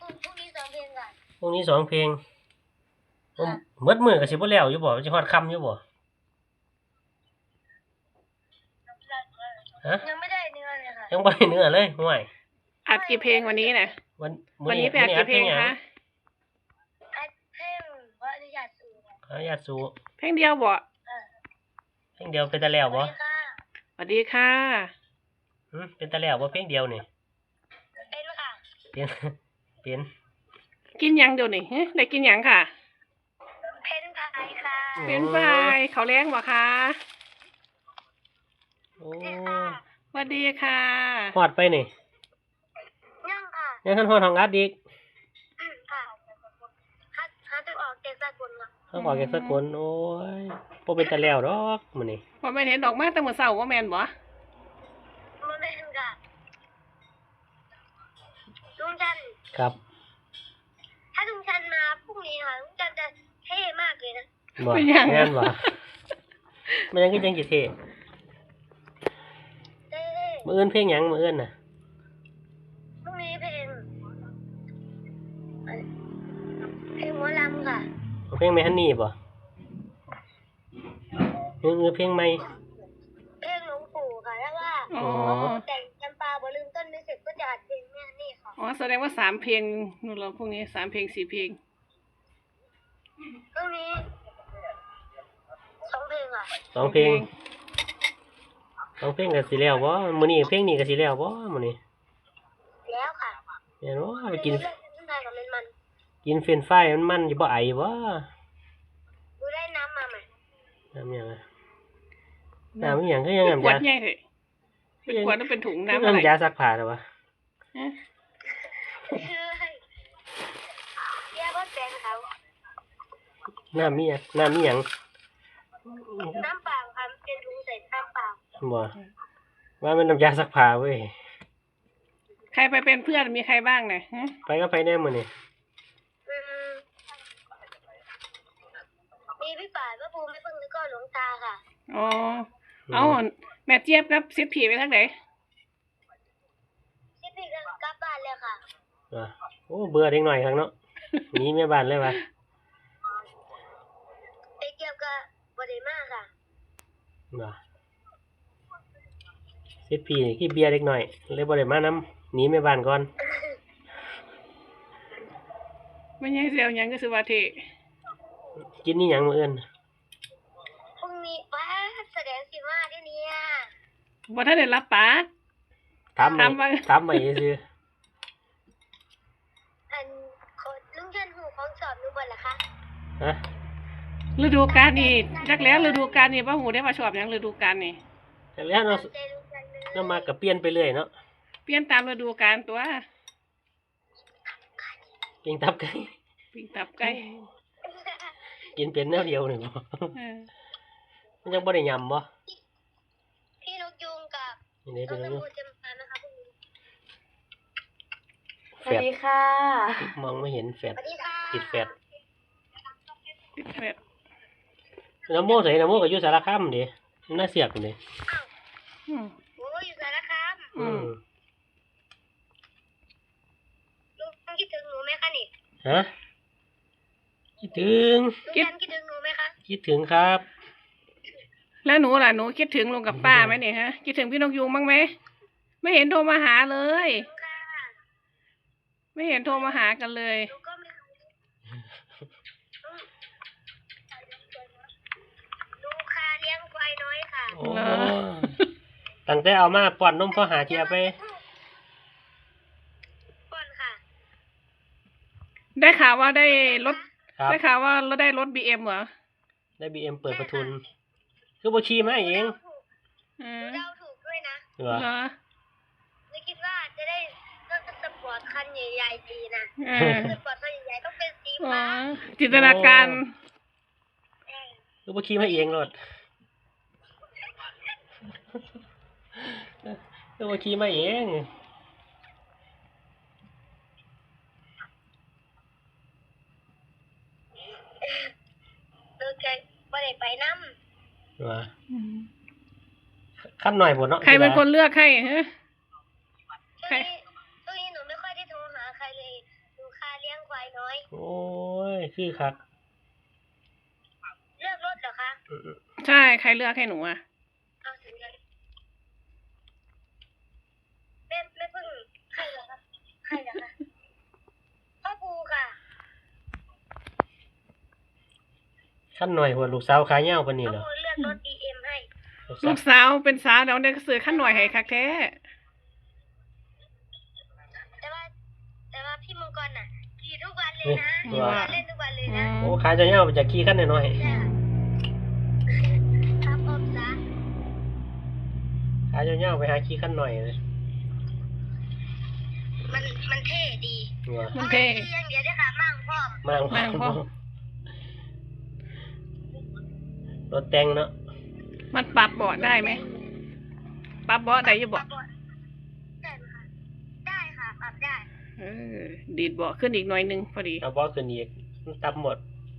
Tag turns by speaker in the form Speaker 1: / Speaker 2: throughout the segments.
Speaker 1: รุ่งนี้2 เพลงก่อน
Speaker 2: พรุ่งนี้2 เพลงหมดมื้อก็สิบ่แล้วอยู่บ่สิฮอดค่ำอยู่บ่ฮะ
Speaker 1: ยังไม่ได้เนื้อเลยค่ะ
Speaker 2: ยังบ่ได้เนื้อเลยห่วย
Speaker 3: อัดกี่เพลงวันนี้น่ะวันนี้ไปอัดกี่เพลงคะ
Speaker 1: อัดเพลงขออนุญาตสู่
Speaker 2: ขออนุญาตสู่
Speaker 3: เพลงเดียวบ่
Speaker 2: เพลงเดียวเป็นตาแล้วบ่
Speaker 3: สวัสดีค่ะ
Speaker 2: เป็นตาแล้วบ่เพลงเดียวนี่
Speaker 1: เป็นค่ะ
Speaker 2: เป็น
Speaker 3: กินยังเดี๋ยวนี้ได้กินยังค่ะ
Speaker 1: เพนพายค่ะ
Speaker 3: เพนพายเขาเลี้ยงบ่คะ
Speaker 2: โอ้
Speaker 3: สวัสดีค่ะ
Speaker 2: ฮอดไปนี่
Speaker 1: ยังค่ะ
Speaker 2: ยังทันฮอดห้องอัดอีก
Speaker 1: ค่ะหาตึกออกเด็กสากลค่ะ
Speaker 2: เขาบอกแกสักคนโอ้ยบ่เป็นตาแล้วดอกมื้อนี้
Speaker 3: บ่แม่นเห็นดอกไม้แต่มื้อเช้าบ่แม่นบ่
Speaker 1: บ่แม่นค่ะลุงจัน
Speaker 2: ครับ
Speaker 1: ถ้าลุงจันมาพรุ่งนี้ค่ะลุงจันจะเท่มากเลยนะ
Speaker 2: บ่แม่นบ่มันยังคือจังสิเท่มื้ออื่นเพลงหยังมื้ออื่นน่ะ
Speaker 1: พรุ่งนี้เพลงหมอลำค่ะ
Speaker 2: เพลงแม่ฮันนี่บ่เพลงใหม่
Speaker 1: เพลงหลวงปู่ค่ะแล้วว่าแต่งจำปาบ่ลืมต้นไม่เสร็จก็จะอัดเพลงแม่นี่ค่ะ
Speaker 3: อ๋อแสดงว่า3 เพลงนู่นเราพวกนี้3 เพลง4 เพลง
Speaker 1: พรุ่งนี้2 เพลงอ่ะ
Speaker 2: 2 เพลง2 เพลงก็สิแล้วบ่มื้อนี้เพลงนี้ก็สิแล้วบ่มื้อนี้
Speaker 1: แล้วค่ะ
Speaker 2: แม่นบ่ไปกิน
Speaker 1: กิน
Speaker 2: เฟรนช์ฟรายมันสิบ่ไอบ่
Speaker 1: ดูได้น้ำมาใหม่
Speaker 2: น้ำหยังน้ำหยังคือยังน้ำ
Speaker 3: ขวดใหญ่เถอะเป็นขวดแล้วเป็นถุงน้ำอะไร
Speaker 2: น้ำยาซักผ้าหรอวะ
Speaker 1: เรียกว่าแฟนเขา
Speaker 2: น้ำมีหยัง
Speaker 1: น้ำเปล่าค่ะเป็นถุงใส่น้ำเปล่า
Speaker 2: บ่ว่ามันน้ำยาซักผ้าเว้ย
Speaker 3: ใครไปเป็นเพื่อนมีใครบ้างเนี่ย
Speaker 2: ไปก็ไปแน่มื้อนี้
Speaker 1: มีพี่ป่าพระภูมิไม่พึ่งแล้วก็หลวงตาค่ะ
Speaker 3: อ๋อเอาแม่เจี๊ยบกับซิดผีไปทางไหน
Speaker 1: ซิดผีก็กลับบ้านแล้วค่ะ
Speaker 2: โอ้เบื่อเด็กหน่อยครั้งเนาะหนีแม่บ้านเลยวะ
Speaker 1: ไอเจี๊ยบก็บ่ได้มาค่ะ
Speaker 2: ซิดผีขี้เบียร์เด็กหน่อยเลยบ่ได้มานำหนีแม่บ้านก่อน
Speaker 3: ไม่ใช่เสียวหยังก็คือว่าเท
Speaker 2: กินนี่หยังมื้ออื่น
Speaker 1: พรุ่งนี้ว่าแสดงสิว่าเดี๋ยวนี้
Speaker 3: บ่ทันได้รับปาก
Speaker 2: ถามมาซื่อ
Speaker 1: ลุงจันหูของสอบหนูบ่ล่ะคะ
Speaker 3: ฤดูกาลนี่จักแล้วฤดูกาลนี่บ่ฮู้ได้ว่าชอบหยังฤดูกาลนี่
Speaker 2: จักแล้วเนาะมาก็เปลี่ยนไปเรื่อยเนาะ
Speaker 3: เปลี่ยนตามฤดูกาลตัว
Speaker 2: ปิ้งตับไก่กินเป็นแนวเดียวนี่บ่มันยังบ่ได้ยำบ่
Speaker 1: พี่นกยูงกับน้องน้ำมูจะมานะคะพรุ่งนี้
Speaker 3: สวัสดีค่ะ
Speaker 2: มองไม่เห็นแฟดติดแฟดน้ำโมใส่น้ำโมก็อยู่สารคามดิน่าเสียกนี่
Speaker 1: โอ้อยู่สารคามลุงคิดถึงหนูไหมคะนี่
Speaker 2: ฮะคิดถึง
Speaker 1: หนูไหมคะ
Speaker 2: คิดถึงครับ
Speaker 3: แล้วหนูล่ะหนูคิดถึงลุงกับป้าไหมเนี่ยฮะคิดถึงพี่นกยูงบ้างไหมไม่เห็นโทรมาหาเลยไม่เห็นโทรมาหากันเลย
Speaker 1: ดูค่ะเลี้ยงควายน้อยค่ะ
Speaker 2: ตั้งแต่เอามาป้อนนมพ่อหาเทียไป
Speaker 1: ป้อนค่ะ
Speaker 3: ได้ข่าวว่าได้รถเราได้รถ BM เหรอ
Speaker 2: ได้ BM เปิดประทุนคือบ่ชี้มาเอง
Speaker 1: เดาถูกด้วยนะ
Speaker 2: เหรอ
Speaker 1: ไม่คิดว่าจะได้รถสปอร์ตคันใหญ่ๆดีนะสปอร์ตคันใหญ่ๆต้องเป็นสีฟ้า
Speaker 3: จินตนาการ
Speaker 2: คือบ่ชี้มาเองรถคือบ่ชี้มาเอง
Speaker 1: บ่ได้ไปน้
Speaker 2: ำขั้นหน่อยหมดเนาะ
Speaker 3: ใครเป็นคนเลือกให้ฮะ
Speaker 1: ช่วงนี้หนูไม่ค่อยได้โทรหาใครเลยหนูคาอ้น้อย
Speaker 2: โอ้ยคือคัก
Speaker 1: เลือกรถเหรอคะ
Speaker 3: ใช่ใครเลือกให้หนูอ่ะ
Speaker 1: เอาถึงเลยแม่เพิ่งใครเหรอคะใครเหรอคะพ่อปูค่ะ
Speaker 2: ขั้นหน่อยหัวลูกสาวขายยาวปานนี้
Speaker 1: พ่อ
Speaker 2: เหรอ
Speaker 1: ปูเลือกรถ BM ให้
Speaker 3: ลูกสาวเป็นสาวเดี๋ยวเด็กซื้อขั้นหน่อยให้คักแท้
Speaker 1: แต่ว่าพี่มังกรน่ะขี่ทุกวันเลยนะ
Speaker 2: เอ้ย
Speaker 1: เล่นทุกวันเลยนะ
Speaker 2: โอ้ขายจะยาวไปจากขี่ขั้นน้อย
Speaker 1: ใช่ค่ะครับอมซะ
Speaker 2: ๆขายจะยาวไปหาขี่ขั้นหน่อยเลย
Speaker 1: มันเท่ดี
Speaker 2: หัว
Speaker 3: มันเท่
Speaker 1: ขี่อย่างเดียวด้วยค่ะมั่งพ่อ
Speaker 2: มั่ง
Speaker 3: พ่อ
Speaker 2: รถแต่งเนาะ
Speaker 3: มันปรับเบาะได้ไหมปรับเบาะได้อยังบอก
Speaker 1: ได้ไหมคะได้ค่ะปรับได้
Speaker 3: ดีดเบาะขึ้นอีกหน่อยนึงพอดี
Speaker 2: เอาบอสขึ้นอีกมันตับหมด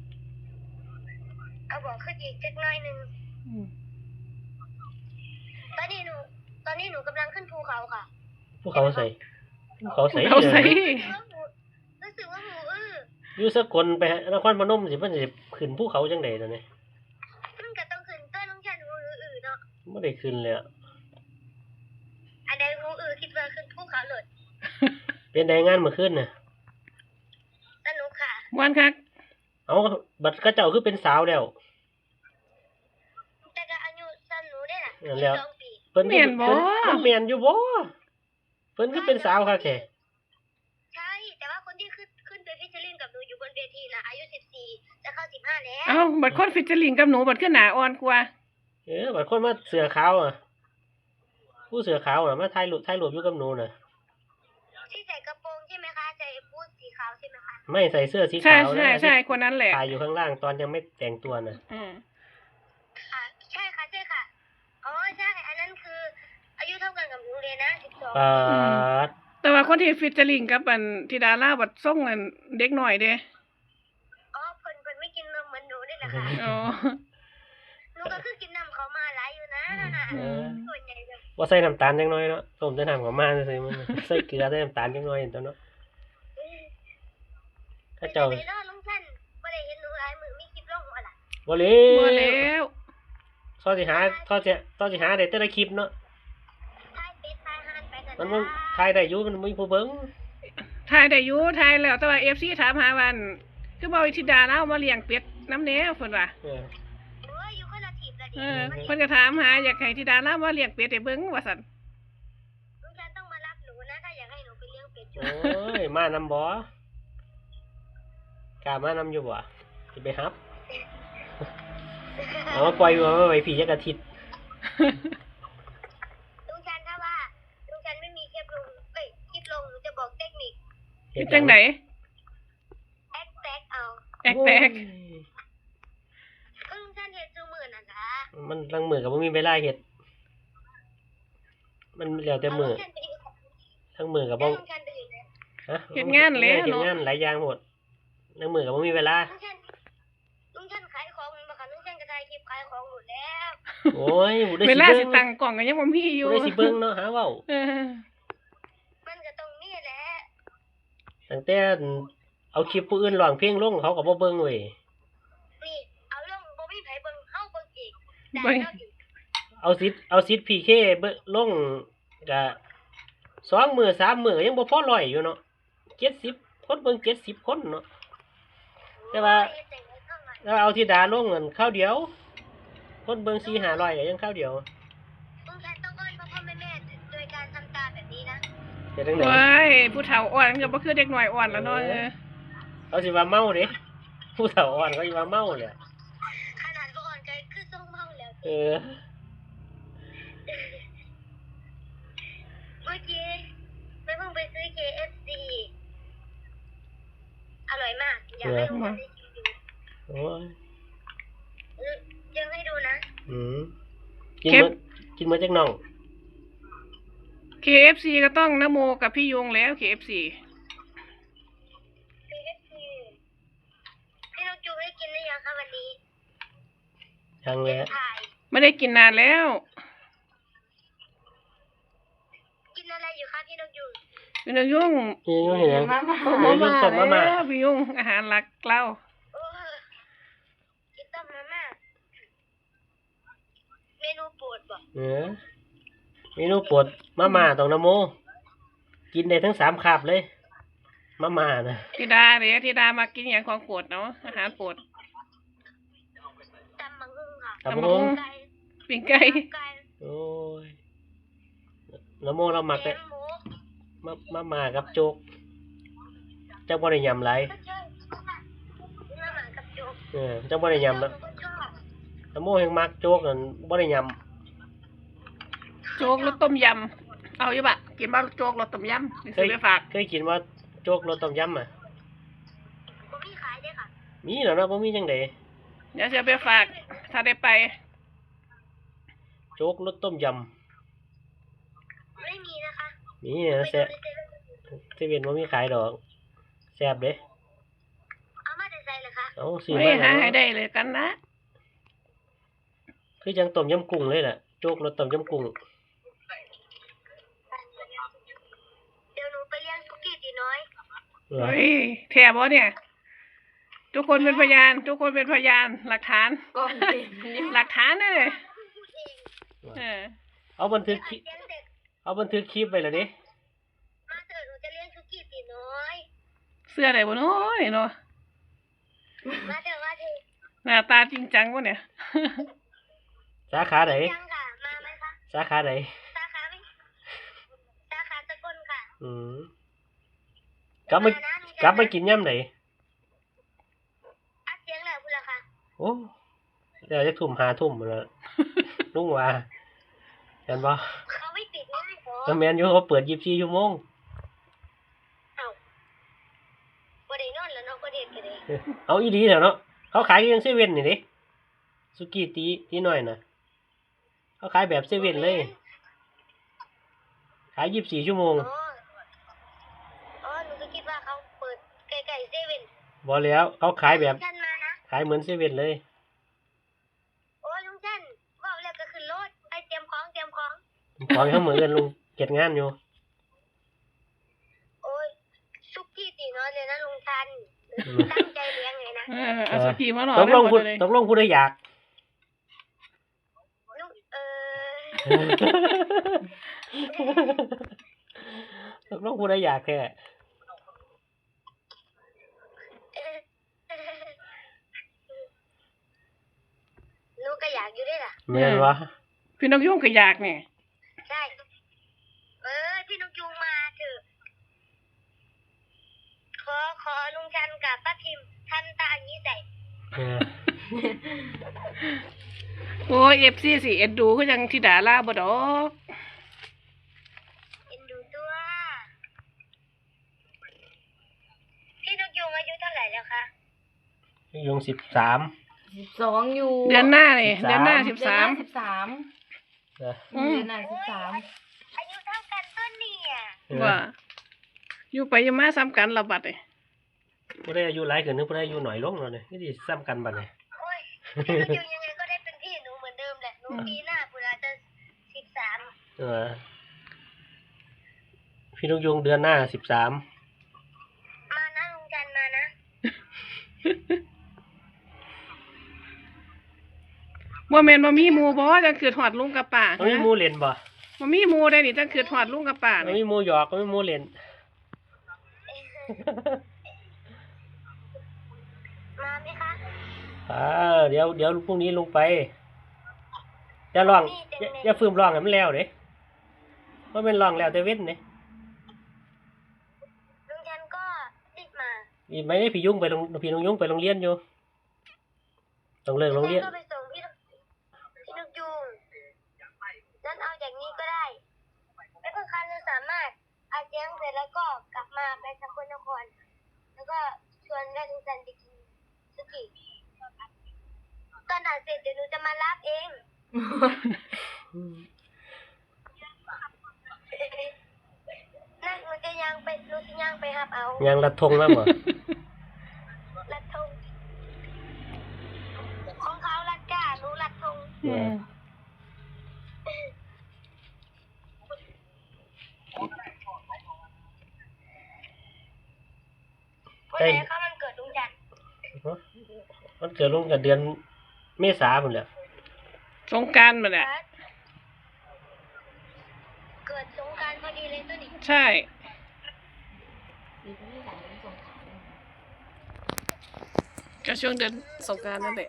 Speaker 1: เอาบอกขึ้นอีกสักหน่อยหนึง
Speaker 3: อืม
Speaker 1: ตอนนี้หนูกำลังขึ้นภูเขาค่ะ
Speaker 2: ภูเขาใส่ภูเขาใส่
Speaker 3: เขาใส่
Speaker 1: รู้สึกว่าหมู
Speaker 2: อยู่สกลไปนครพนมสิเพิ่นสิขึ้นภูเขาจังได๋ตอนนี้
Speaker 1: มันก็ต้องขึ้นต้นลุงชันหมูเนาะ
Speaker 2: บ่ได้ขึ้นเลยอะ
Speaker 1: อันใดหมูคิดว่าขึ้นภูเขาเลย
Speaker 2: เป็นได้งานเมื่อคืนน่ะ
Speaker 1: สนุกค่ะ
Speaker 3: ม่วนคัก
Speaker 2: เอาบัดกระเจ้าคือเป็นสาวแล้ว
Speaker 1: แต่ก็อายุสั้นหนูได้น่ะ
Speaker 2: นั่นแล้ว
Speaker 1: 12 ปี
Speaker 2: เพิ่นคือมันแม่นอยู่บ่เพิ่นคือเป็นสาวคักแท้
Speaker 1: ใช่แต่ว่าคนที่ขึ้นไปฟิชเชอร์ลิงกับหนูอยู่บนเวทีน่ะอายุ14จะเข้า15แล้ว
Speaker 3: เอ้าบัดคนฟิชเจอริงกับหนูบัดขึ้นหนาอ่อนกว่า
Speaker 2: บัดคนมาเสื้อขาวอ่ะผู้เสื้อขาวอ่ะมาถ่ายรูปอยู่กับหนูน่ะ
Speaker 1: ที่ใส่กระโปรงใช่ไหมคะใส่บูทสีขาวใช่ไหมคะ
Speaker 2: ไม่ใส่เสื้อสี
Speaker 3: ใช่
Speaker 2: ขาว
Speaker 3: ใช่
Speaker 2: นะ
Speaker 3: ใช่คนนั้นแหละ
Speaker 2: ถ่ายอยู่ข้างล่างตอนยังไม่แต่งตัวน่ะ
Speaker 1: ค่ะใช่ค่ะอ๋อใช่อันนั้นคือ อายุเท่ากันกับหนูเลยนะ12
Speaker 2: ปาด
Speaker 3: แต่ว่าคนที่ฟิชเจอริงกับอันที่ดาราบัดส่งอันเด็กหน่อยเด้
Speaker 1: อ๋อเพิ่นไม่กินนมเหมือนหนูนี่แหละค่ะ
Speaker 3: อ๋อ
Speaker 1: หนูก็คือกินน้ำเขามาหลายอยู่นะ
Speaker 2: เออ
Speaker 1: ส่วนใหญ่แบบ
Speaker 2: ว่าใส่น้ำตาลจังน้อยเนาะต้มแต่น้ำกับมาซื่อๆมันใส่เกลือใส่น้ำตาลจังน้อยตัวเนาะถ้าเจ้า
Speaker 1: ไปนอนลุงท่านบ่ได้เห็นหนูหลายมือมีคลิปลงบ่ล่ะ
Speaker 2: บ่เล
Speaker 3: บัว
Speaker 2: ว
Speaker 3: แล้ว
Speaker 2: ทอสิหาได้แต่ละคลิปเนาะ
Speaker 1: ทายเป็ดทายห่านไปกัน
Speaker 2: มันบ่ถ่ายได้อยู่มันมีผู้เบิ่ง
Speaker 3: ทายได้อยู่ทายแล้วแต่ว่า FC ถามหาวันคือบ่วิธิดาเล่ามาเลี้ยงเป็ดน้ำแหน่เพิ่นว่า
Speaker 2: เออ
Speaker 1: โอ้ยอยู่คนละทีมละดิ
Speaker 3: เพิ่นก็ถามหาอยากให้ธิดาเล่ามาเลี้ยงเป็ดให้เบิ่งว่าซั่น
Speaker 1: ลุงท่านต้องมารับหนูนะถ้าอยากให้หนูไปเลี้ยงเป็ด
Speaker 2: โอ้ยมานำบ่กล้ามานำอยู่บ่สิไปฮับเอามาปล่อยไว้พี่จักอาทิตย์
Speaker 1: ลุงท่านถ้าว่าลุงท่านไม่มีคลิปลงหนูจะบอกเทคนิค
Speaker 3: เฮ็ดจังได๋
Speaker 1: แอคแท็กเอา
Speaker 3: แอกแตก
Speaker 1: ลุงท่านเฮ็ดซุมื้อนั่นล่ะ
Speaker 2: มันลังมือก็บ่มีเวลาเฮ็ดมันแล้วแต่มือ
Speaker 1: ลุงท่านไปอยู่
Speaker 2: ทั้งมือก็บ่
Speaker 1: ลุงท่านไปอยู่ไหน
Speaker 2: ฮะ
Speaker 3: เฮ็ดงานแล้ว
Speaker 2: เฮ็ด
Speaker 3: เนาะ
Speaker 2: งานหลายอย่างหมดทั้งมือก็บ่มีเวลา
Speaker 1: ลุงท่านขายของมันบ่คะลุงท่านก็ได้คลิปขายของหมดแล้ว
Speaker 2: โอ้ยบ่ได้
Speaker 3: เว
Speaker 2: สิ
Speaker 3: ลา
Speaker 2: เบิ่
Speaker 3: สิ
Speaker 2: ง
Speaker 3: ตั้งกล่องก็ยังบ่มีอยู่
Speaker 2: บ่ได้สิเบิ่งเนาะหาเว้า
Speaker 3: เออ
Speaker 1: มันก็ต้องมีแหละ
Speaker 2: ตั้งแต่เอาคลิปผู้อื่นร้องเพลงลงเขาก็บ่เบิ่งเว้ย
Speaker 1: นี่เอาลงบ่มีไผเบิ่งเฮาเบิ่งอีกได้
Speaker 3: เบิ่ง
Speaker 1: เนาะอีก
Speaker 2: เอาซิด PK เบิ่งลงก็2มื้อ3มื้อก็ยังบ่พอ100อยู่เนาะ70คนเบิ่ง70คนเนาะแต่ว่า
Speaker 1: เฮ็ดจังได๋เท่าไหร่
Speaker 2: แล้วเอาที่ดาลงเงินข้าวเดียว คนเบิ่ง4-500ก็ยังข้าวเดียว
Speaker 1: ลุงท่านต้องอ้อนพ่อแม่โดยการทำตาแบบนี้นะ
Speaker 2: เฮ็ดจังได๋
Speaker 3: โอ้ยผู้เฒ่าอ่อนก็บ่คือเด็กน้อยอ่อนแล้วเนาะ
Speaker 2: เขาสิว่าเมาเด้ผู้เฒ่าอ่อนเขาสิว่าเมาแหละ
Speaker 1: ขนาดบ่อ่อนก็คือทรงเมาแล้ว
Speaker 2: เออ
Speaker 1: เมื่อกี้แม่เพิ่งไปซื้อ KFC อร่อยมาก อยากให้ทุกคนได้ชิมดู
Speaker 2: โอ้ย
Speaker 1: ยังให้ดูนะ
Speaker 2: กินมื้อจักน้อง
Speaker 3: KFC ก็ต้องนโมกับพี่ยงแล้ว KFC
Speaker 1: KFC พี่น้องจูได้กินหรือยังคะวันนี้
Speaker 2: ยังแหละ
Speaker 1: ถ่าย
Speaker 3: ไม่ได้กินนานแล้ว
Speaker 1: กินอะไรอยู่คะพี่น้องจู
Speaker 3: พี่นกยุง
Speaker 2: พี่ยุ่งเห็นยัง
Speaker 3: โอ้โห
Speaker 2: พี่ยุ่งต้มมาม่า
Speaker 3: แล้วพี่ยุงอาหารหลักเรา
Speaker 1: โอ้กินต้มมาม่าเมนูโปรดบ่
Speaker 2: เมนูโปรดมาม่าต้องนโมกินได้ทั้ง3 คาบเลยมาม่านะ
Speaker 3: ธิดาเดี๋ยวธิดามากินอย่างของโปรดเนาะอาหารโปรด
Speaker 1: ตำบักหุ่งค่ะ
Speaker 2: ตำบักหุ่ง
Speaker 1: ไก่
Speaker 3: ปิ้งไก่
Speaker 1: ไก่
Speaker 2: โอ้ยนโมเรามัก
Speaker 1: แก
Speaker 2: แต่
Speaker 1: งหมู
Speaker 2: มาม่ากับโจ๊กจังบ่ได้ยำไร
Speaker 1: ก็ชอบมาม่ากับโจ๊ก
Speaker 2: จังบ่ได้ยำ
Speaker 1: แล้
Speaker 2: แล้ว ว
Speaker 1: ก็ชอบ
Speaker 2: นโมแห่งมักโจ๊กนั่นบ่ได้ย
Speaker 3: โจ๊กรสต้มยำเอาอยู่ปะกินบ้างโจ๊กรสต้มยำนี่ซื้อไปฝาก
Speaker 2: ำเคยกินว่าโจ๊กรสต้มยำอ่ะ
Speaker 1: ผมมีขายด้วยค่ะ
Speaker 2: มีแล้วเนาะบ่มีจังได๋
Speaker 3: เดี๋ยวจะไปฝาก ถ้าได้ไป
Speaker 2: โจ๊กรสต้มย
Speaker 1: ไม่มีนะคะ
Speaker 2: ำนี่นะแซ่บเซเว่นบ่มีขายดอกแซ่บเด้
Speaker 1: เอามาแต่ใส่เลยค่ะ
Speaker 2: เอาซื้อ
Speaker 3: ไม่
Speaker 2: มา
Speaker 3: หา
Speaker 2: แล้ว
Speaker 3: ให้ได้เลยกันนะ
Speaker 2: คือจังต้มยำกุ้งเลยล่ะโจ๊กรสต้มยำกุ้ง
Speaker 1: เดี๋ยวหนูไปเลี้ยงสุกี้ตีน้อย
Speaker 2: เหรอ
Speaker 3: เฮ้ยแถบวะเนี่ย ทุกคนเป็นพยาน ทุกคนเป็นพยานหลักฐาน
Speaker 4: ก็เต็มอยู่
Speaker 3: หลักฐานเลย
Speaker 1: พูดเอง
Speaker 3: เออ
Speaker 2: เอาบันทึกคลิป
Speaker 1: เลี้ยงเด็ก
Speaker 2: เอาบันทึกคลิปไว้แล้วดิ
Speaker 1: มาเถอะหนูจะเลี้ยงสุกี้ตีน้อย
Speaker 3: เสื้ออะไรวะเนาะเนาะ
Speaker 1: มาเถอะมาเถอะ
Speaker 3: หน้าตาจริงจังวะเนี่ย
Speaker 2: สาขาไหน
Speaker 1: ยังค่ะมาไหมคะ
Speaker 2: สาขาไหน
Speaker 1: สาขาไหมสาขาสกลค่ะ
Speaker 2: อืมกลับมา
Speaker 1: นะหนูจะ
Speaker 2: กลับมากินย่ำไหน
Speaker 1: อัดเสียงแหละคุณล่ะค่ะ
Speaker 2: โอ้เดี๋ยวจะทุ่ม5 ทุ่มแล้ว ลุงว่าเห็นบ่
Speaker 1: เขาไม่ปิดง่ายหรอ
Speaker 2: แมนอยู่เขาเปิด24 ชั่วโมง
Speaker 1: เอาบ่ได้นอนแล้วเนาะบ่ได้กันเลย
Speaker 2: เอาอีดีเนาะเขาขายยังเซเว่นนี่ดิสุกี้ตีหน่อยนะเขาขายแบบเซเว่นเลย ขาย24 ชั่วโมง
Speaker 1: อ๋อหนูก็คิดว่าเขาเปิดไกลๆเซเว่น
Speaker 2: บ่แล้วเขาขายแบบ
Speaker 1: ฉันมานะ
Speaker 2: ขายเหมือนเซเว่นเลย
Speaker 1: โอ้ยลุงชันว่าวแล้วก็ขึ้นรถไปเตรียมของเตรียมของ
Speaker 2: ของเขาเหมือนกันลุงเก็บงานอยู่
Speaker 1: โอ้ยสุกี้ตีน้อยเลยนะลุงชันตั้งใจเลี้ยงไงนะ
Speaker 3: เออเอาสกีมาหน่อย
Speaker 2: ตกลง
Speaker 3: ไม่หม
Speaker 2: พู
Speaker 3: ด
Speaker 2: ด
Speaker 3: เลย
Speaker 2: ตกลงพูดได้อยาก
Speaker 1: ลุง
Speaker 2: ตกลงพูดได้อยากแค่
Speaker 1: หนูก็อยากอยู่ด้วยล่ะ
Speaker 2: แม่นวะ
Speaker 3: พี่นกยุ่งก็อยากเนี่ย
Speaker 1: ใช่พี่นกยูงมาเถอะขอลุงชันกับป้าพิมพ์ทำตาอย่างนี้ใส่
Speaker 2: เออ
Speaker 3: โอ้ยFC สิเอ็ดดูก็ยังธิดาล่าบ่ดอก
Speaker 1: เอ็นดูตัวพี่นกยูงอายุเท่าไหร่แล้วคะ
Speaker 2: ยุง13
Speaker 4: 12อยู่
Speaker 3: เดือนหน้าเนี่ย
Speaker 2: 13
Speaker 3: เดือนหน้า
Speaker 4: เดือนหน้า
Speaker 3: 13
Speaker 2: เออ
Speaker 3: อืม
Speaker 4: เดือนหน้า13
Speaker 1: อายุเท่ากันต้นเนี่ย
Speaker 3: ว่า อยู่ไปอยู่มาซ้ำกันระบัดเลย
Speaker 2: ผู้ได้อายุหลายขึ้นนึกผู้ได้อายุหน่อยลงแล้วเนี่ยนี่สิซ้ำกันบัดเนี่ย
Speaker 1: โอ้ยพี่นกยูงยังไงก็ได้เป็นพี่หนูเหมือนเดิมแหละหนูปีหน้าปุราจะ13
Speaker 2: เออพี่นกยุงเดือนหน้า13
Speaker 1: มานะลุงชันมานะ
Speaker 3: บ่แม่นบ่มีหมู่บ่จังคือถอดลุงกับป้า
Speaker 2: มันมีหมูเล่นบ่
Speaker 3: บ่มีหมู่ได้นี่จังคือถอดลุงกับป้า
Speaker 2: มัน
Speaker 3: นี่
Speaker 2: มีหมูหยอกมันมีหมูเล่น
Speaker 1: มาไหมคะ
Speaker 2: เดี๋ยวพรุ่งนี้ลงไปจะร้องอย่าฝืมร้องให้มันแล้วเด้เพราะมันร้องแล้วแต่เว้นเด้
Speaker 1: ลุงชันก็รีบมา
Speaker 2: อีกไหมเนี่ยพี่นกยุงไปโรงเรียนอยู่ต้องเลิกโรงเรียน
Speaker 1: ก็ไปส่งพี่นกยูงนั้นเอาอย่างนี้ก็ได้ไม่เพิ่งคันจะสามารถอาเจียงเสร็จแล้วก็กลับมาไปสกลนคร แล้วก็ชวนแม่ลุงจันไปกินสุกี้ตอนอ่านเสร็จเดี๋ยวหนูจะมารับเองนั่นหนูจะยังไปหนูจะยังไปหับเอา
Speaker 2: ยังรัดธงแล้วบ่
Speaker 1: ลัดธงของเขาลัดก้าหนูลัดธง
Speaker 3: อืม
Speaker 1: วันไหนคะมันเกิดลุงจันทร์
Speaker 2: มันเกิดลงกับเดือนเมษาพุ่นแหละ
Speaker 3: สงกรานต์มาแหละ
Speaker 1: เกิดสงกรานต์พอดีเลยตัวนี้
Speaker 3: ใช่
Speaker 4: ปีนี้หลายสงขลา
Speaker 3: ก็ช่วงเดือนสงกรานต์นั่นแหละ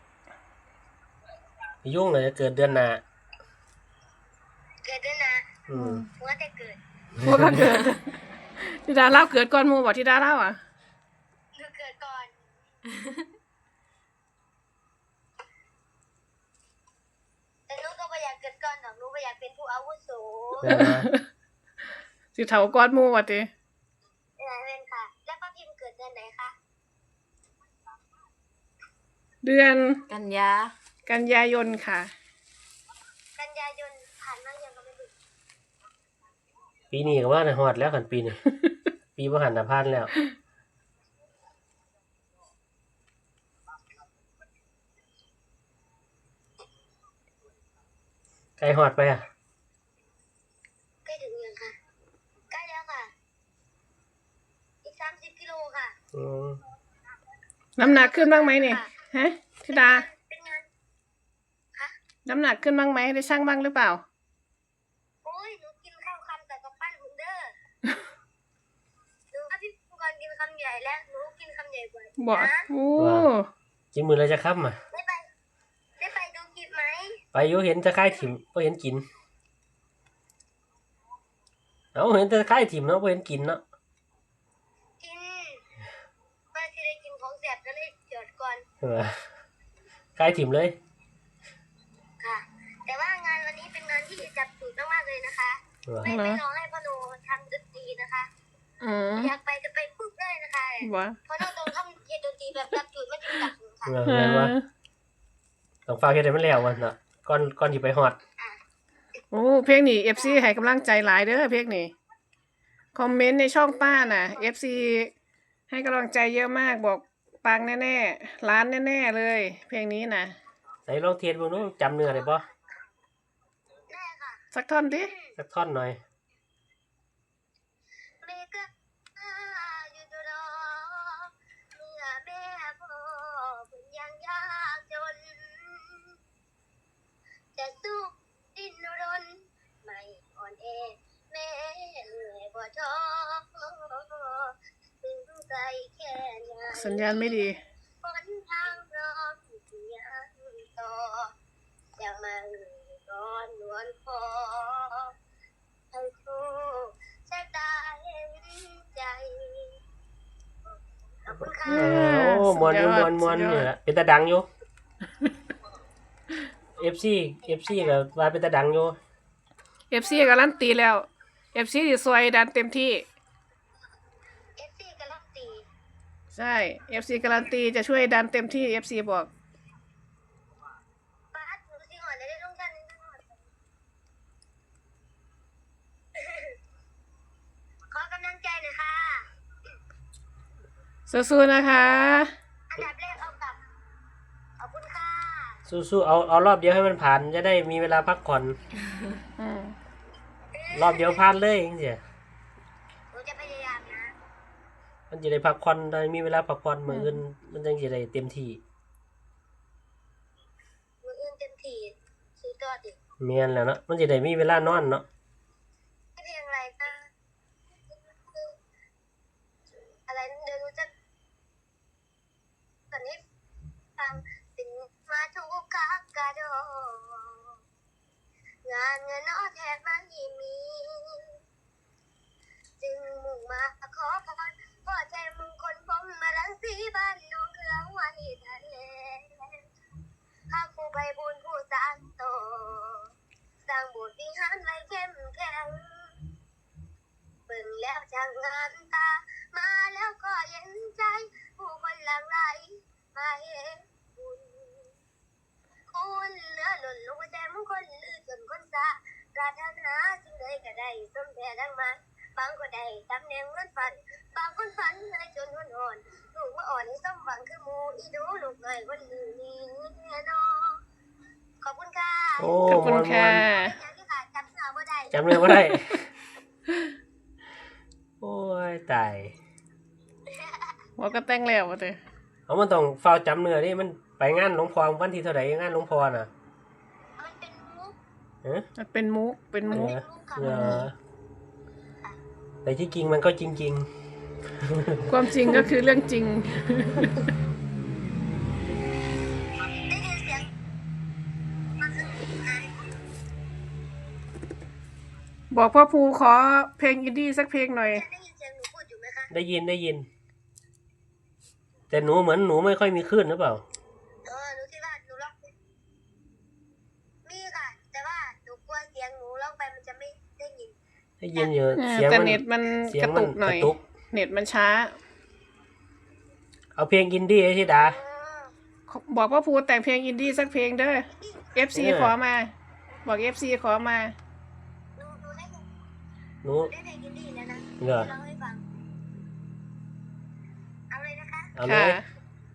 Speaker 2: ยุ่งเลยจะเกิดเดือนหน้า
Speaker 1: เกิดด้วยนะ
Speaker 2: อืม
Speaker 1: หัวแต่เกิด
Speaker 3: พวกกันเกิดธิดาเล่าเกิดก่อนหมู่บ่ธิดาเล่าอ่ะ
Speaker 1: หนูเกิดก่อน แต่หนูก็ไม่อยากเกิดก่อนหรอกหนูไม่อยากเป็นผู้อาวุโส
Speaker 2: แม่นว่า
Speaker 3: สิเฒ่าก่อนหมู่ว่าติ
Speaker 1: เป็นค่ะ แล้วป้าพิมพ์เกิดเดือนไหนคะ
Speaker 3: เดือน
Speaker 4: กันยา
Speaker 3: กันยายนค่ะ
Speaker 1: กันยายนผ่านมายังก็ไม่รู้
Speaker 2: ปีนี้ก็ว่าในฮอดแล้วกันปีนี้ ปีบ่หันน่ะผ่านแล้วใกล้ฮอดไปอ่ะ
Speaker 1: ใกล้ถึงยังคะใกล้แล้วค่ะ อีก30 กิโลค่ะ
Speaker 2: อืม
Speaker 3: น้ำหนักขึ้นบ้างไหมเนี่ยฮะธิดา
Speaker 1: เป็นงาน
Speaker 3: น้ำหนักขึ้นบ้างไหมได้ชั่งบ้างหรือเปล่า
Speaker 1: โอ้ยหนูกินข้าวคำแต่กับปั้นหุ่นเด้อ หนูว่าพี่ก่อนกินคำใหญ่แล้วหนูกินคำใหญ่กว่า
Speaker 3: บ่
Speaker 1: นะ
Speaker 3: โอ้
Speaker 2: กินมื้อละจะค่ำอ่ะ
Speaker 1: ได้ไปดูคลิปไหม
Speaker 2: ไปอยู่เห็นจะคายถิ่มบ่เห็นกินเอาเห็นแต่คายถิ่มเนาะบ่เห็นกินเนาะ
Speaker 1: กินเมื่อที่ได้กินของแสบก็เลยจอดก่อน
Speaker 2: เออคายถิ่มเลย
Speaker 1: ค่ะ แต่ว่างานวันนี้เป็นงานที่จับจุดมากๆเลยนะคะ
Speaker 2: เออ
Speaker 1: ไม่ร้องให้พ่อโนทำดนตรีนะคะ
Speaker 3: อืม
Speaker 1: อยากไปจะไปปุ๊บเลยนะคะ
Speaker 3: บ่
Speaker 1: เพราะโนต้องทำเกียรดนตรีแบบจับจุดไม่จำกัดค่ะ
Speaker 2: เออแม่นว่าต้องฝากเฮ็ดให้มันแล้ววันน่ะก่อนสิไปฮอด
Speaker 3: โอ้เพลงนี้ FC ให้กำลังใจหลายเด้อเพลงนี้คอมเมนต์ในช่องป้าน่ะ FC ให้กำลังใจเยอะมากบอกปังแน่ๆล้านแน่ๆเลย เพลงนี้น่ะ
Speaker 2: ไหนลองเทสเบิ่งดูจำเนื้อได้บ่
Speaker 1: ได้ค่ะ
Speaker 3: สักท่อนดิ
Speaker 2: สักท่อนหน่อย
Speaker 1: เมกะอยู่ตัวรอเมื่อแม่พ่อเพิ่งยังยากจน จะสู้ดิ้นรนไม่อ่อนแอแม่เหนื่อยบ่ท้อถึงไกลแค่ไหน
Speaker 3: สัญญาณไม่ดี
Speaker 1: หนทางพร้อมที่ยังต่อจะมาร้อนนวลคอให้ครูชะตาเห็นใจขอบคุณค่ะ
Speaker 2: โอ้มวนอยู่
Speaker 3: สุดยอด
Speaker 2: มวน
Speaker 3: สุดยอด
Speaker 2: นี่แหละเป็นตาดังอยู่ FC ก็ว่าเป็นตาดังอยู่
Speaker 3: FC การันตีแล้ว FC สิซอยดันเต็มที่
Speaker 1: FC กำลังตี
Speaker 3: ใช่ FC การันตีจะช่วยดันเต็มที่ FC บอก
Speaker 1: ป้าหนูสิหอนได้ลงกันนี่หอนขอกำลังใจหน่อยค่ะ
Speaker 3: สู้ๆนะคะ
Speaker 1: อันดับแรกเอากลับขอบคุณค่ะ
Speaker 2: สู้ๆเอารอบเดียวให้มันผ่านจะได้มีเวลาพักผ่อน
Speaker 3: อืม
Speaker 2: รอบเดียวผ่านเลยจังซี่
Speaker 1: หนูจะพยายามนะ
Speaker 2: มันจะได้พักผ่อนได้มีเวลาพักผ่อนมื้ออื่นมันจังสิได้เต็มที่
Speaker 1: มืออื่นเต็มที่ซื้อตัวดิ
Speaker 2: แม่นแล้วเนาะมันสิได้มีเวลานอนเนาะ
Speaker 1: ไม่เพียงไรค่ะอะไรเดี๋ยวหนูจะตอนนี้ฟังเป็นมาทุกขากระโดงานเงินนอแทบไม่มี จึงมุ่งมาขอพรพ่อใจมึงคนผมมาลังสีบ้านน้องเครื่องไว้ทะเลข้าครูใบบุญผู้สร้างโตสร้างบุญวิหารไว้เข้มแข็งเบิ่งแล้วช่างงามตา มาแล้วก็เย็นใจ ผู้คนหลั่งไหลมาเห็นบุญคุณเหลือหล่นลงหัวใจมึงคนลือจนคนซาปรารถนาสิ่งใดก็ได้สมแท้ดังมันบางก็ได้ตำแหน่งเงินฝัน บางคนฝันให้จนหัวอ่อนลูกว่าอ่อนให้สมหวังคือหมูอีดูลูกหน่อยคนอื่นนี่แน่นอนขอบคุณค่ะ
Speaker 2: โอ้
Speaker 3: ขอบคุณค่ะ
Speaker 1: อย่างที่ค่ะจำเนื้อบ่ได้
Speaker 2: จำเนื้อบ่ได้ โอ้ยตาย
Speaker 3: โอ้บอกก็แต่งแล้วว่าแต่
Speaker 2: เอามันต้องเฝ้าจำเนื้อนี่มันไปงานหลวงพ่อวันที่เท่าไหร่งานหลวงพ่อน่ะ
Speaker 1: มันเป็นมุก
Speaker 2: เอ๊ะ
Speaker 3: มันเป็นมุกเป็นมุก
Speaker 2: เออแต่ที่จริงมันก็จริง
Speaker 3: ความจริงก็คือเรื่องจริง
Speaker 1: ได้ยินเสียงมันคืออะไร
Speaker 3: บอกพ่อภูขอเพลงอินดี้สักเพลงหน่อย
Speaker 1: ได้ยินเสียงหนูพูดอยู่ไหมคะ
Speaker 2: ๆ ได้ยิน แต่หนูเหมือนหนูไม่ค่อยมีคลื่นหรือเปล่า
Speaker 1: หนูคิดว่าหนูร้องมีค่ะ แต่ว่าหนูกลัวเสียงหนูร้องไปมันจะไม่ได้ยิน
Speaker 2: ได้ยินอยู่เสียง
Speaker 3: แต่
Speaker 2: มัน
Speaker 3: เน็ตมัน
Speaker 2: เสีย
Speaker 3: ก
Speaker 2: ง
Speaker 3: ระ
Speaker 2: มั
Speaker 3: ตุกหน่อย
Speaker 2: กระตุก
Speaker 3: เน็ตมันช้า
Speaker 2: เอาเพลงอินดี้ไอ้ที่ดา
Speaker 3: บอกพ่อภูแต่งเพลงอินดี้สักเพลงเด้อ FC
Speaker 2: เออ
Speaker 3: ขอมา บอก FC ขอมา
Speaker 1: หนูได้เพลง
Speaker 2: หนู
Speaker 1: ได้เพลงอินดี้แล้วนะ
Speaker 2: เหรอ
Speaker 1: ร้องให้ฟัง เอาเลยนะคะ
Speaker 2: เอาเล
Speaker 3: ค่ะ
Speaker 2: ย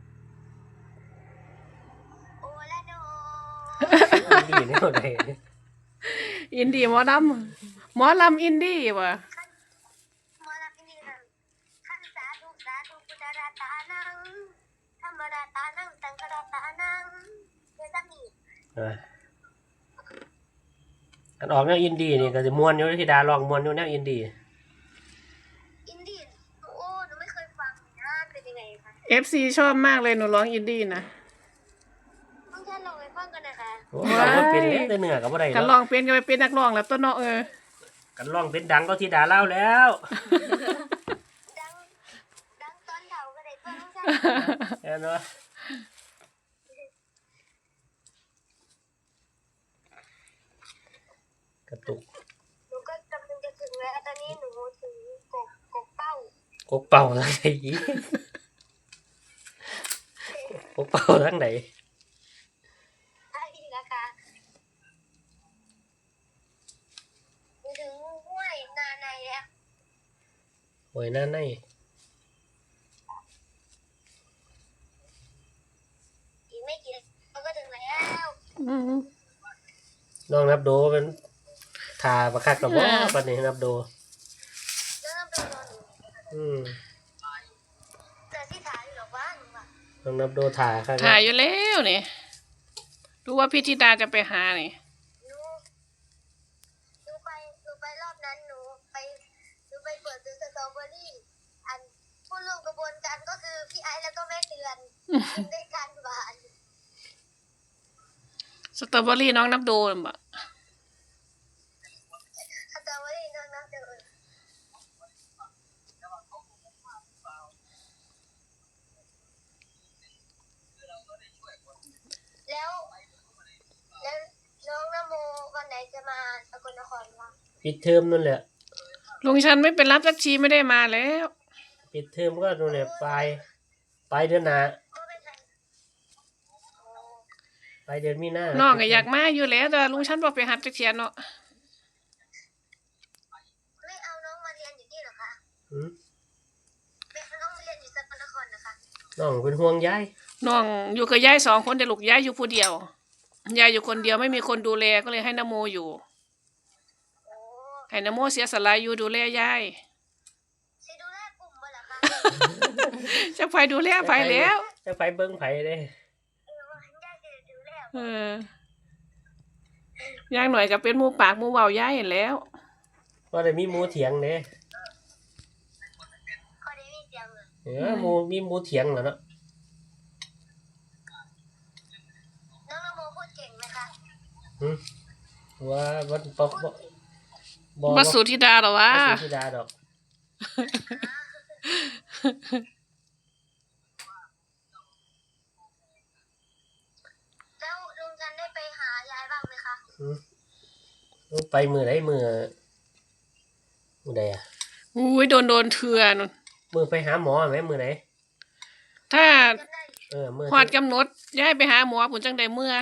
Speaker 1: โอละโน
Speaker 2: อินดี้เนี่ยไหน
Speaker 3: อินดี้หมอลำหมอลำอินดี้วะ
Speaker 1: หมอลำอินดี้ค่ะขันสาธุพุทธราตานังธรรมราตานังสังฆราตานังเดี๋ยวจะมี
Speaker 2: อันออกแนวอินดี้นี่ก็จะมวนอยู่ที่ดาลองมวนอยู่แนวอินดี้
Speaker 1: อินดี้โอ้หนูไม่เคยฟังนะเป็นยังไงคะ
Speaker 3: FC ชอบมากเลยหนูร้องอินดี้นะ
Speaker 1: ต้องท่านลองไปฟังกันนะคะ
Speaker 2: โอ้เราก็เป็นเล็กแต่เหนือก็บ่ได้
Speaker 3: กันร้
Speaker 2: เนาะ
Speaker 3: องเป็นก็ไปเป็นนักร้องแล้วต้นเนาะ
Speaker 2: กันร้องเป็นดังก็ที่ดาเล่าแล้ว
Speaker 1: ดังตอนเฒ่าก็ได้เพื่อนต้องท่าน
Speaker 2: เห็นเนาะกระตุก
Speaker 1: หนูก็กำลังจะถึงแล้วตอนนี้หนูถึงกกเป้าก
Speaker 2: กเป่าทางไหนอีกกกเป่าทางไหน
Speaker 1: ใช่นะคะหนูถึงห้วยนาในแล้ว
Speaker 2: โอ้ยนั่นไง
Speaker 1: อีกไม่กี่เราก็ถึงแล้ว
Speaker 3: อืม
Speaker 2: น้องนับโดเป็นทาประคักกับว่าปันนี้นับโด
Speaker 1: แล้วเราไปนอนอยู่
Speaker 2: อืม
Speaker 1: แต่ที่ถ่ายอยู่หรอกว่าหนูอะ
Speaker 2: น้องนับโดทาค่ะ
Speaker 3: ถ่ายอยู่แล้วนี่รู้ว่าพี่ธิดาจะไปหานี่
Speaker 1: หนูไปรอบนั้นหนูไปเปิดซื้อสตรอเบอรี่อันผู้ร่วมกระบวนการก็คือพี่ไอซ์แล้วก็แม่เตือนกินด้วยกันหวาน
Speaker 3: สตรอเบอรี่น้องนับโดนบ่
Speaker 1: สตรอเบอรี่น้องน้ำเดือดแล้วน้องนโมวันไหนจะมาสกลนครวะ
Speaker 2: ปิดเทอมนั่นแหละ
Speaker 3: ลุงชันไม่เป็นรับสักทีไม่ได้มาแล้ว
Speaker 2: ปิดเทอมก็นู่นแหละปลายเดือนหน้า
Speaker 1: ก็เป็นไร
Speaker 2: ปลายเดือนมีนา
Speaker 3: น้องก็อยากมาอยู่แล้วแต่ลุงชันบอกไปหัดจักเทียนเนาะ
Speaker 1: ไม่เอาน้องมาเรียนอยู่นี่เหรอคะ
Speaker 2: อืม
Speaker 1: ไม่เอาน้องมาเรียนอยู่สกลนครนะคะ
Speaker 2: น้องเป็นห่วงยาย
Speaker 3: น้องอยู่กับยาย2 คนแต่ลูกยายอยู่ผู้เดียวยายอยู่คนเดียวไม่มีคนดูแลก็เลยให้นโมอยู่
Speaker 1: โอ้
Speaker 3: ให้นโมเสียสละอยู่ดูแลยาย
Speaker 1: สิดูแลกลุ่มบ่เหรอคะ
Speaker 3: จะไปดูแลไปแล้ว
Speaker 2: จะไปเบิ้งไผเด้
Speaker 1: ย่าจะดูแล
Speaker 3: อย่างหน่อยก็เป็นหมู่ปากหมู่เว้ายายเห็นแล้ว
Speaker 2: ว่าได้มีหมูเถียงเด้
Speaker 1: เขาได้มีเสียงเลย
Speaker 2: มีหมูเถียงเหรอเนาะ
Speaker 1: น้องนโมพูดเก่งไหมคะ
Speaker 2: อืมว่าวันปอกบ่
Speaker 3: บัสุธิดาเหรอวะ
Speaker 2: บ่สุธิดาดอก
Speaker 1: แล้วลุงจันได้ไปหายายบ้างไหมคะ
Speaker 2: ไปมือไหนมือใดอ่ะ
Speaker 3: อุ้ยโดนเถื่อนู่น
Speaker 2: มือไปหาหมอไหมมือไหน
Speaker 3: ถ้า
Speaker 1: จำได้
Speaker 2: มือ
Speaker 3: ฮอดกำหนดย้ายไปหาหมอผุนจังใดเมื่อ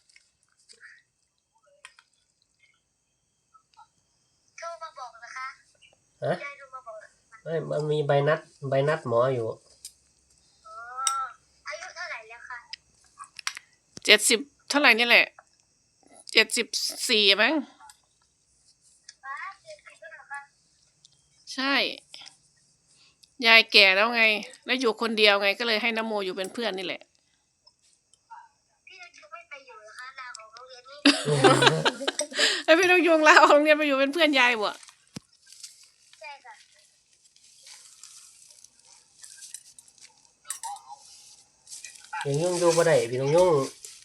Speaker 1: โทรมาบอกนะคะ
Speaker 2: ฮะ
Speaker 1: ยายโทรมาบอก
Speaker 2: ไม่มันมีใบนัดหมออยู่
Speaker 1: อ๋ออายุเท่าไหร่แล้วคะ
Speaker 3: 70เท่าไหร่นี่แหละ74มั้ง
Speaker 1: ป้า70แล้วเหรอคะ
Speaker 3: ใช่ยายแก่แล้วไง แล้วอยู่คนเดียวไงก็เลยให้นโมอยู่เป็นเพื่อนนี่แหละ
Speaker 1: พี่จะไม่ไปอยู่เหรอคะลาออกโรงเรียนนี่
Speaker 3: แล้วพี่นกยุงลาออกโรงเรียนไปอยู่เป็นเพื่อนยายบ่
Speaker 1: ใช่ค่ะ
Speaker 2: พี่น้องยุ่งอยู่บ่ได้พี่น้องยุ่ง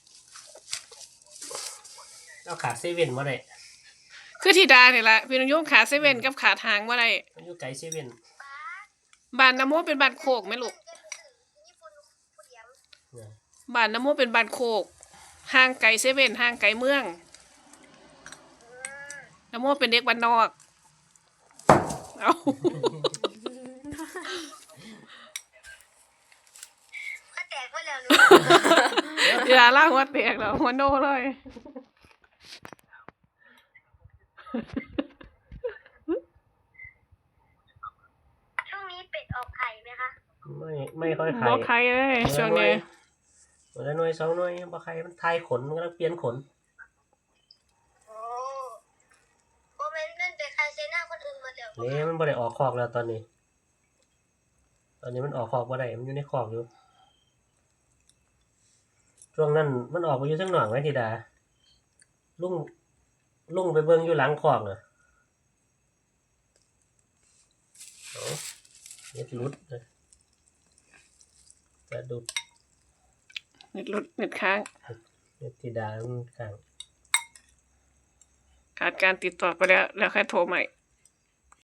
Speaker 2: เราขาดเซเว่นบ่ได้
Speaker 3: คือธิดาเนี่ยแหละพี่นกยุงขาเซเว่นกับขาทางว่าไร
Speaker 2: มันอยู่ไกลเซเว่น
Speaker 3: บ้านนโมเป็นบ้านโคกไหมลูก
Speaker 1: ญี่ปุ่นผู้เดียว
Speaker 2: เนี่ย
Speaker 3: บ้านนโมเป็นบ้านโคกห่างไกลเซเว่นห่างไกลเมืองนโมเป็นเด็กบ้านนอกเอา
Speaker 1: ก็แตกไปแล้วหนู
Speaker 3: อย่าล่าหัวแตกแล้วหัวโนเลย
Speaker 1: ช่วงนี้เป็ดออกไข่ไหมคะ
Speaker 2: ไม่ค่อยไข่
Speaker 3: บอกใครเลยช่วงนี้
Speaker 2: วันละหน่วยสองหน่วยบ่ไข่มันทายขนมันกำลังเปลี่ยนขน
Speaker 1: โอ้โมเมนต์นั่นเป็นใครเซน่าคนอื่นหมาแล้ว
Speaker 2: นี่มันบ่ได้ออกคอกแล้วตอนนี้ ตอนนี้มันออกคอกบ่ได้มันอยู่ในคอกอยู่ช่วงนั้นมันออกไปอยู่ทั้งหนองไหมธิดาลุงไปเบิ่งอยู่หลังคอกน่ะเอาเน็ตหลุดเลยจะดุด
Speaker 3: เน็ตหลุดเน็ตค้าง
Speaker 2: เน็ตธิดามันข้าง
Speaker 3: ขาดการติดต่อไปแล้วค่อยโทรใหม่